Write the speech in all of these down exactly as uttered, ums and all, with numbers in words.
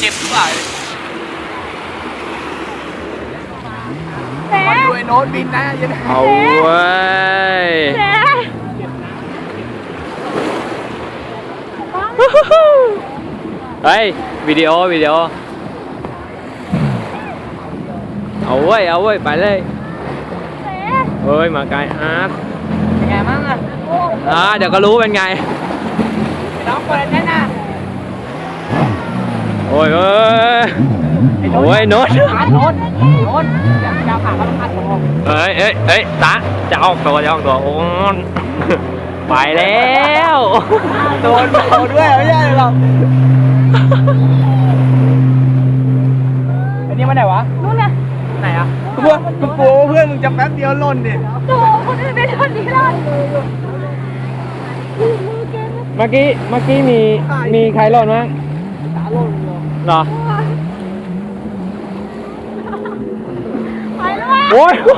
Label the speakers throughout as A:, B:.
A: จ็บหรือเปล่ามาดูไอ้โน้ตบินนะยัง
B: เอาเว้ยเฮ้ยวิดีโอวิดีโอเอาเว้ยเอาเว้ยไปเลยเฮ้ยมาไกลอาร์ต
A: เป็นไงบ้างอ่ะ
B: อ่าเดี๋ยวก็รู้เป็นไง
A: น้องเปิดแน่น่ะ
B: โอ้ยเอ้ยโอ้ยโน้ต
A: โน้ตโน้ตโน้ตอยากจะผ่าเขาต้องผ่าตัว
B: เอ้ยเอ้ยเอ้ยตาจะออกตัวจะออกตัวโอ้ยไปแล้ว
A: โดนโดนด้วยไม่ใช่หรอกอันนี้มาไหนวะ
C: นู่นน่ะ
A: ไหนอ่ะเพื่อนกูโป้เพื่อนมึงจะแป๊บเดียวล่นดิ
C: โถ่คนอื่นเป็นคนนี้ล่น
B: เมื่อกี้เมื่อกี้มีมีใครหล่นมั้ง
A: ตาล่น
B: เหรอ
C: ไปแล้ว
B: โอ้ยโอ้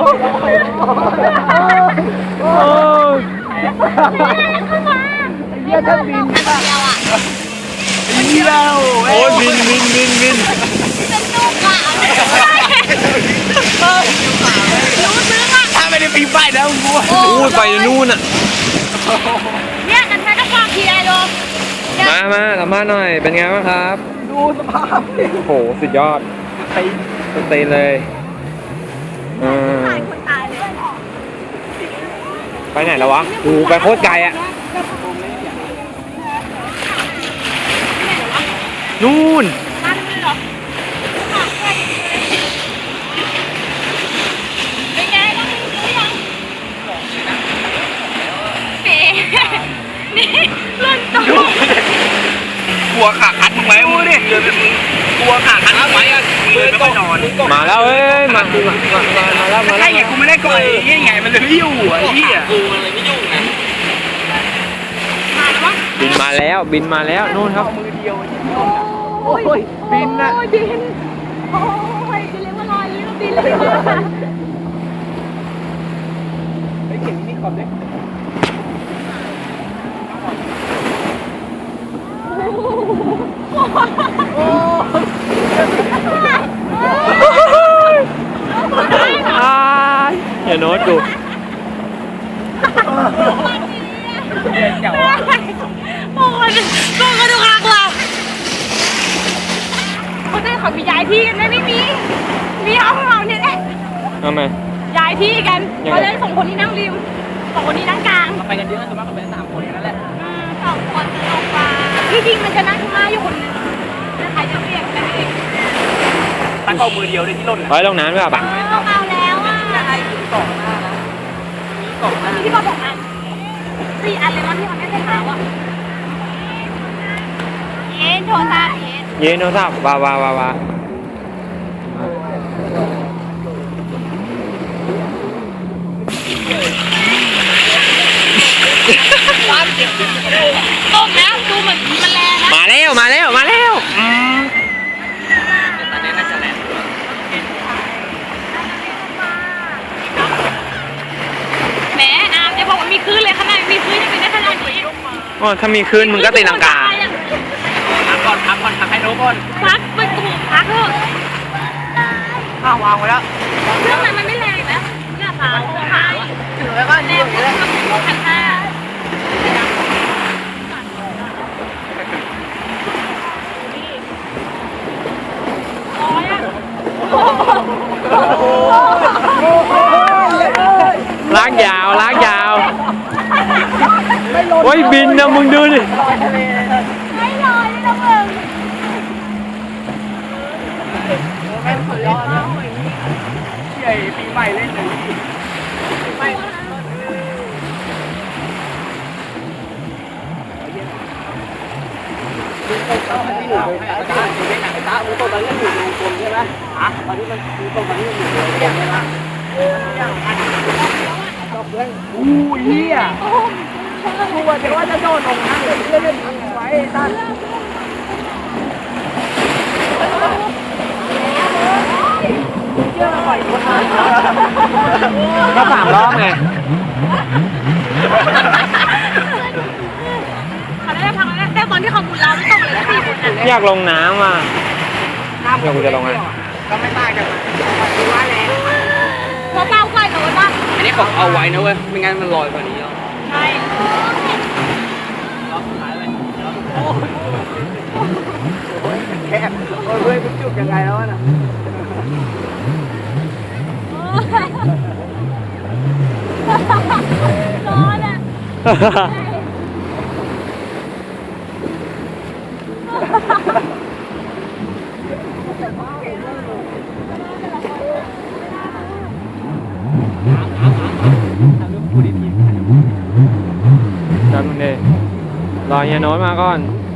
B: ย
A: เยี่ยท่านบินป่ะเยี่ยว
B: โอ้ยบินบินบินบิน
C: เป็นลูกอ่ะรู้ซึ้งอ่ะ
A: ถ้าไม่ได้ปีนป้ายนะมึงกู
B: โอ้ยไปนู่นอ่ะ
C: เนี่ยกันแค่ก็ฝากทีไอโด
B: มามาสัมภาษณ์หน่อยเป็นไงบ้างครับ
A: ดูสภาพ
B: โอ้โหสุดยอด
A: ตี
B: ตีเลยอืมไปไหนแล้ววะโอ้ไปโคตรไกลอ่ะนู่น
A: กลัวขาคัดมึงไหมมึงดิกลัวขาคัดมึงไหมอ่ะมือไม่ค่อยนอน
B: มาแล้วเอ้ยมามามามาแล้วมาแล้ว
A: ใช่ไงกูไม่ได้ก่อยยังไงมันเลยไม่อยู่อ่ะไอ้เหี้ยกูมันเลยไม่ยุ่งไง
B: บินมาแล้วบินมาแล้วนู่นครับ
A: มือเดียวโอ้ยบินนะ
C: บินโอ้ยจะเรียกว่าลอยยิ้มบินเลย
A: ไอ้เข็มนี่ขอบเลย
B: อย่าโน้ตดู
A: เจ๋ว
C: โอ้ยโกงกันทุกครั้งว่ะเขาจะขอมีย้ายที่กันไหมไม่มีมีห้องเราเนี่ยแหละ
B: ทำไม
C: ย้ายที่กันเขาเลยส่งคนที่นั่งริมสองคนนี้นั่งกลาง
A: ไปกันเยอะส่วนมากก็เป็นสามคนนั่นแหละ
C: สองคนจะลงมาที่จริงมันจะนั่งข้างหน้าอยู่คนนึงแล้วใครจะเรียกกันเอง
A: ตั้งเอามือเดียวเลยที่ล่น
B: เฮ้ยลงน้ำด้วยป่ะ
C: เอาแล้วอ่ะ
A: จะให้ถึงสองหน้านะมีสองหน้า
C: ที่บอกบอกนะสี่อันเลยมั้งที่มันไม่ได้ขาวอ่ะเย็นโทรศัพท์เย็น
B: เย็นโทรศัพท์ว้าวว้าวว้าว
C: ตกแล้วดูเหมือนมันแรงนะ
B: มาแล้วมาแล้วมาแล้ว
A: ตอนนี้น่าจะแรง
C: แหมอาจะบอกว่ามีคลื่นเลยขนาดมีคลื่นยังเป็นได้ขนาดนี้
B: อ๋อถ้ามีคลื่นมึงก็ตีลังกา
A: พักก่อนพักก่อนพักให้โน้ก่อน
C: พักไปถูกพักเถอะ
A: ข้าววางไว้แล้ว
C: เครื่องมันไม่แรงนะหน้าผาใช่
A: ถือไว้ก็แน่เลยนะ
C: พันห้า
B: ลากยาวลากยาวโอ้ยบินนะมึงดูดิ
C: ไม่ลอยเลยนะมึง
A: แม่งสุดยอดนะใหญ่ปีใหม่เล่นเลยไม่ตอนที่อยู่ในตาอยู่ในหนังตาอุ้งตอนนี้อยู่ในกลมใช่ไหมอ่ะตอนนี้มันอุ้งตอนนี้อยู่ในกลมใช่ไหมอู้เหี้ยกูว่าจะว่าจะโดนลงน้ำเลยเล่นๆไว้ตั้น
B: ก็สามรอบไง
C: เขาได้พังแล้วแต่ตอนที่เขาหมุนเราไม่ต้องเลยสี่คน
B: อยากลงน้ำอ่ะเดี๋ยวกูจะลงอ่ะ
A: ก็ไม่มากจังคือว่าแรง
C: พอเป้าค่อยหนูบ้าง
A: อันนี้ผมเอาไว้นะเว้ยไม่งั้นมันลอยกว่านี้แล้ว
C: ใช่
A: แค่โอ้ยเพื่อนคุณจุกยังไงแล้วนะ
C: ร้อนอ่ะ
B: จำมึงดิรอเฮียโน้ตมาก่อน